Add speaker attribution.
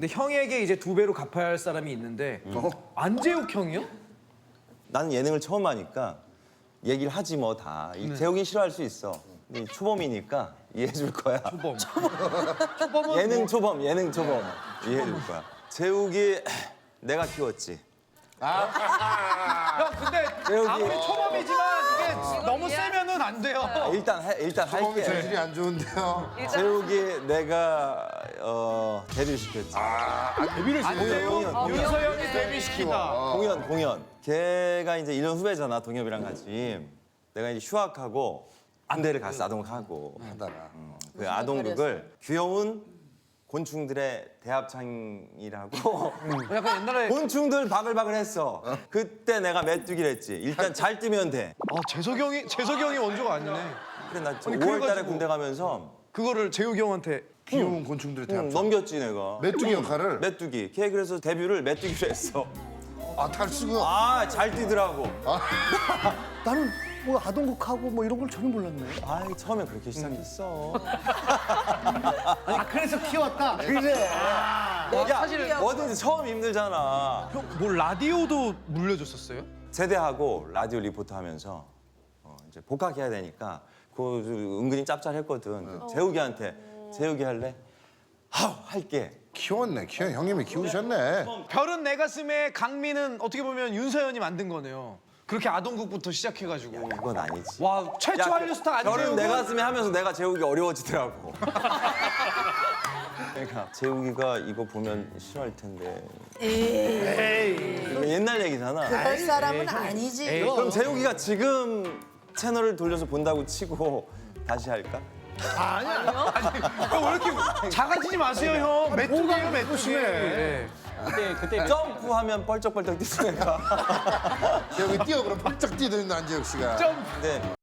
Speaker 1: 근데 형에게 이제 2배로 갚아야 할 사람이 있는데 안재욱 형이요?
Speaker 2: 나는 예능을 처음 하니까 얘기를 하지 뭐 다. 재욱이 싫어할 수 있어. 근데 초범이니까 이해해줄 거야.
Speaker 1: 초범. 초범은
Speaker 2: 예능
Speaker 1: 뭐...
Speaker 2: 초범, 예능 초범. 이해해줄 거야. 재욱이 내가 키웠지.
Speaker 1: 형 근데
Speaker 2: 재욱이
Speaker 1: 아무리 초범이지만 이게 너무 세면은 안 돼요.
Speaker 2: 일단
Speaker 3: 처음이
Speaker 2: 할게.
Speaker 3: 재질이 안 좋은데요.
Speaker 2: 재욱이 내가 데뷔를 시켰지.
Speaker 3: 데뷔를
Speaker 1: 안재욱, 윤서영이 데뷔시키다.
Speaker 2: 공연. 걔가 이제 1년 후배잖아, 동엽이랑 같이. 내가 이제 휴학하고 안대를 갔어, 아동하고.
Speaker 3: 하다가.
Speaker 2: 그 아동극을 귀여운 곤충들의 대합창이라고
Speaker 1: 약간 옛날에
Speaker 2: 곤충들 바글바글 했어. 그때 내가 메뚜기를 했지. 일단 잘 뛰면 돼.
Speaker 1: 재석이 형이 원조가 아니네.
Speaker 2: 그래, 나
Speaker 1: 아니,
Speaker 2: 5월 달에
Speaker 1: 그래가지고-
Speaker 2: 군대 가면서
Speaker 1: 그거를 재욱이 형한테
Speaker 3: 귀여운 곤충들의 대합.
Speaker 2: 넘겼지, 내가.
Speaker 3: 메뚜기 역할을.
Speaker 2: 메뚜기. 걔 그래서 데뷔를 메뚜기로 했어.
Speaker 3: 아 탈수가.
Speaker 2: 아, 잘 뛰더라고.
Speaker 4: 나는 뭐 아동극하고 뭐 이런 걸 전혀 몰랐네.
Speaker 2: 아이, 처음에 그렇게 시작했어.
Speaker 4: 아 그래서 키웠다. 그래.
Speaker 2: 야, 뭐든지 처음 힘들잖아.
Speaker 1: 형 뭐 라디오도 물려줬었어요?
Speaker 2: 제대하고 라디오 리포터 하면서 이제 복학해야 되니까 그거 은근히 짭짤했거든. 재욱이한테 재욱이 할래? 하우 할게.
Speaker 3: 키웠네. 형님이 키우셨네.
Speaker 1: 별은 내 가슴에 강민은 어떻게 보면 윤서연이 만든 거네요. 그렇게 아동극부터 시작해가지고.
Speaker 2: 그건 아니지.
Speaker 1: 와 최초
Speaker 2: 야,
Speaker 1: 한류 스타 안재욱은
Speaker 2: 별은 내 가슴에 하면서 내가 재욱이 어려워지더라고. 그러니까 재욱이가 이거 보면 싫어할 텐데. 이거 옛날 얘기잖아.
Speaker 5: 그럴 사람은 아니지.
Speaker 2: 그럼 재욱이가 지금 채널을 돌려서 본다고 치고 다시 할까?
Speaker 1: 형, 왜 이렇게 작아지지 마세요 형. 메뚜기예요 메뚜기. 네.
Speaker 2: 그때 점프하면 뻘쩍뻘쩍 뛰는 애가.
Speaker 3: 여기 뛰어 그럼 펄쩍 뛰는 안재욱 씨가.
Speaker 2: 근데